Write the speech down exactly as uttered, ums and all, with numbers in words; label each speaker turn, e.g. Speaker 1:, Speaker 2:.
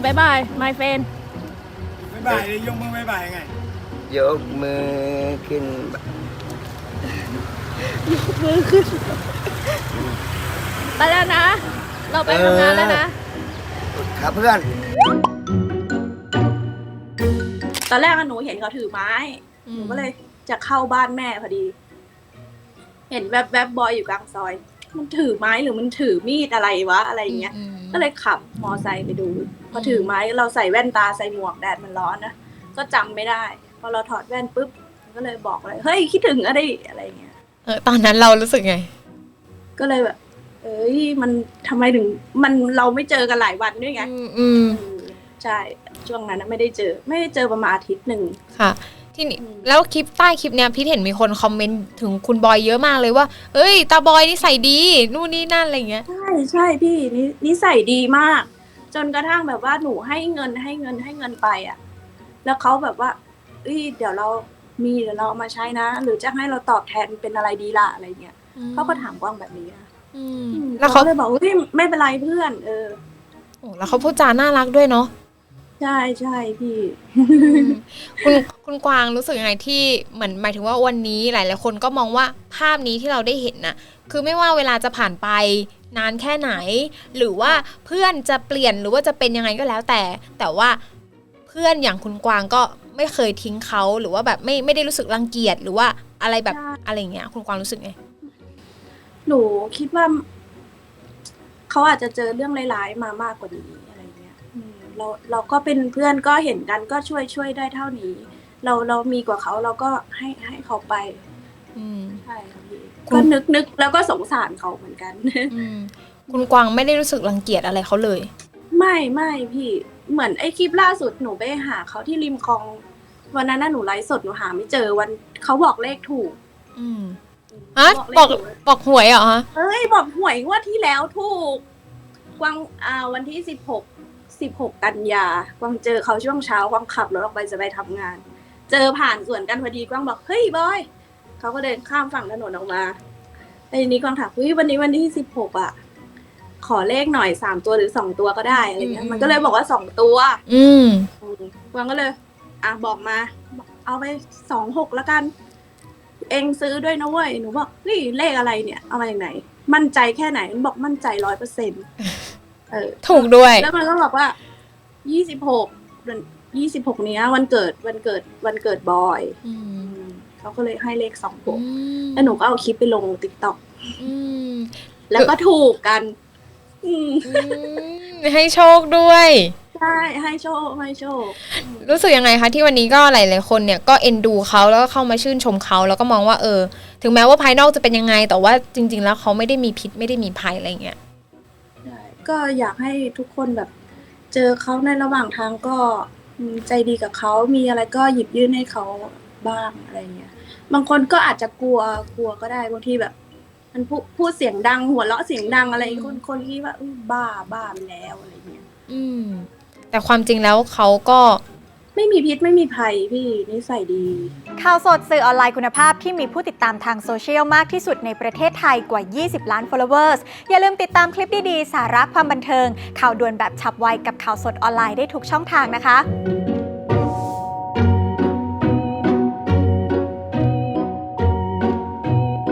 Speaker 1: ายบาย my friend
Speaker 2: บ๊ายบายเลยยกมือบ๊ายบายไง
Speaker 3: ยกมือขึ้น
Speaker 1: ยกมือขึ้นไปแล้วนะ เราไปทำงานแล้วนะครับ
Speaker 3: เพื่อน
Speaker 4: ตอนแรกหนูเห็นเขาถือไม้หนูก็เลยจะเข้าบ้านแม่พอดี เห็นแวบๆบบอยอยู่กลางซอย มันถือไม้หรือมันถือมีดอะไรวะอะไรอย่างเงี้ยก็เลยขับมอไซค์ไปดูพอถือไม้เราใส่แว่นตาใส่หมวกแดดมันร้อนนะก็จำไม่ได้พอเราถอดแว่นปุ๊บก็เลยบอกเลยเฮ้ยคิดถึงอะไรอะไรเงี้ย
Speaker 5: เออตอนนั้นเรารู้สึกไง
Speaker 4: ก็เลยแบบเอ้ยมันทำไมถึงมันเราไม่เจอกันหลายวันด้วยไง
Speaker 5: อืม
Speaker 4: ใช่ช่วงนั้นไม่ได้เจอไม่ได้เจอประมาณอาทิตย์หนึ่ง
Speaker 5: ค่ะที่นี่แล้วคลิปใต้คลิปเนี้ยพี่เห็นมีคนคอมเมนต์ถึงคุณบอยเยอะมากเลยว่าเอ้ยตาบอยนิสัยดีนู่นนี่นั่นอะไรเงี้ย
Speaker 4: ใช่ใช่พี่นี่นิสัยดีมากจนกระทั่งแบบว่าหนูให้เงินให้เงินให้เงินไปอ่ะแล้วเขาแบบว่าเอ้ยเดี๋ยวเรามีเดี๋ยวเราเอามาใช้นะหรือจะให้เราตอบแทนเป็นอะไรดีล่ะอะไรเงี้ยเขาก็ถามกว้างแบบนี้นะแล้วเขาเลยบอกเฮ้ยไม่เป็นไรเพื่อนเออ
Speaker 5: โอ้แล้วเขาพูดจาน่ารักด้วยเนาะ
Speaker 4: ใช่ใช่พี่
Speaker 5: คุณคุณกวางรู้สึกยังไงที่เหมือนหมายถึงว่าวันนี้หลายๆคนก็มองว่าภาพนี้ที่เราได้เห็นน่ะคือไม่ว่าเวลาจะผ่านไปนานแค่ไหนหรือว่าเพื่อนจะเปลี่ยนหรือว่าจะเป็นยังไงก็แล้วแต่แต่ว่าเพื่อนอย่างคุณกวางก็ไม่เคยทิ้งเขาหรือว่าแบบไม่ไม่ได้รู้สึกรังเกียจหรือว่าอะไรแบบอะไรเงี้ยคุณกวางรู้สึกไง
Speaker 4: หนูคิดว่าเขาอาจจะเจอเรื่องร้ายๆมามากกว่านี้เราเราก็เป็นเพื่อนก็เห็นกันก็ช่วยช่วยได้เท่านี้เราเรามีกว่าเขาเราก็ให้ให้เขาไปใช่ค่ะพี่ก็นึกนึกแล้วก็สงสารเขาเหมือนกัน
Speaker 5: คุณกวางไม่ได้รู้สึกรังเกียจอะไรเขาเลย
Speaker 4: ไม่ไม่พี่เหมือนไอ้คลิปล่าสุดหนูไปหาเขาที่ริมคลองวันนั้นน่ะหนูไลฟ์สดหนูหาไม่เจอวันเขาบอกเลขถูก
Speaker 5: อืมฮะบอกบอกหวยเหรอฮะ
Speaker 4: เอ้ยบอกหวยงวดที่แล้วถูกกวางอ่าวันที่สิบหกสิบหกกันยากวางเจอเขาช่วงเช้ากวางขับรถออกไปจะไปทำงานเจอผ่านสวนกันพอดีกวางบอกเฮ้ยบอยเขาก็เดินข้ามฝั่งถนนออกมาไอ้นี้กวางถามเฮ้ยวันนี้วันที่สิบหกอ่ะขอเลขหน่อยสามตัวหรือสองตัวก็ได้อะไรเงี้ยมันก็เลยบอกว่าสองตัว
Speaker 5: อืม
Speaker 4: กวางก็เลยอ่ะบอกมาเอาไปสองหกแล้วกันเองซื้อด้วยนะเว้ยหนูบอกเฮ้ยเลขอะไรเนี่ยเอามาจากไหนมั่นใจแค่ไหนมันบอกมั่นใจร้อยเปอร์เซ็นต์
Speaker 5: ถูกด้วย
Speaker 4: แล้วมันก็บอกว่ายี่สิบหกยี่สิบหกเนี้ยวันเกิดวันเกิดวันเกิดบอยเขาก็เลยให้เลขสองหกแล้วหนูก็เอาคลิปไปลงติ๊กต็อกแล้วก็ถูกกัน
Speaker 5: ให้โชคด้วย
Speaker 4: ใช่ให้โชคให้โชค
Speaker 5: รู้สึกยังไงคะที่วันนี้ก็หลายๆคนเนี่ยก็เอ็นดูเขาแล้วก็เข้ามาชื่นชมเขาแล้วก็มองว่าเออถึงแม้ว่าภายนอกจะเป็นยังไงแต่ว่าจริงๆแล้วเขาไม่ได้มีพิษไม่ได้มีภัยอะไรเงี้ย
Speaker 4: ก็อยากให้ทุกคนแบบเจอเขาในระหว่างทางก็ใจดีกับเขามีอะไรก็หยิบยื่นให้เขาบ้างอะไรเงี้ยบางคนก็อาจจะกลัวกลัวก็ได้บางทีแบบมันพูดพูดเสียงดังหัวเราะเสียงดังอะไรคนคนที่ว่าบ้าบ้าไปแล้วอะไรเงี้ย
Speaker 5: อืมแต่ความจริงแล้วเขาก็
Speaker 4: ไม่มีพิษไม่มีภัยพี่นิสัยดี
Speaker 6: ข่าวสดสื่อออนไลน์คุณภาพที่มีผู้ติดตามทางโซเชียลมากที่สุดในประเทศไทยกว่ายี่สิบล้าน followers อย่าลืมติดตามคลิปดีๆสาระความบันเทิงข่าวด่วนแบบฉับไวกับข่าวสดออนไลน์ได้ทุกช่องทางนะคะ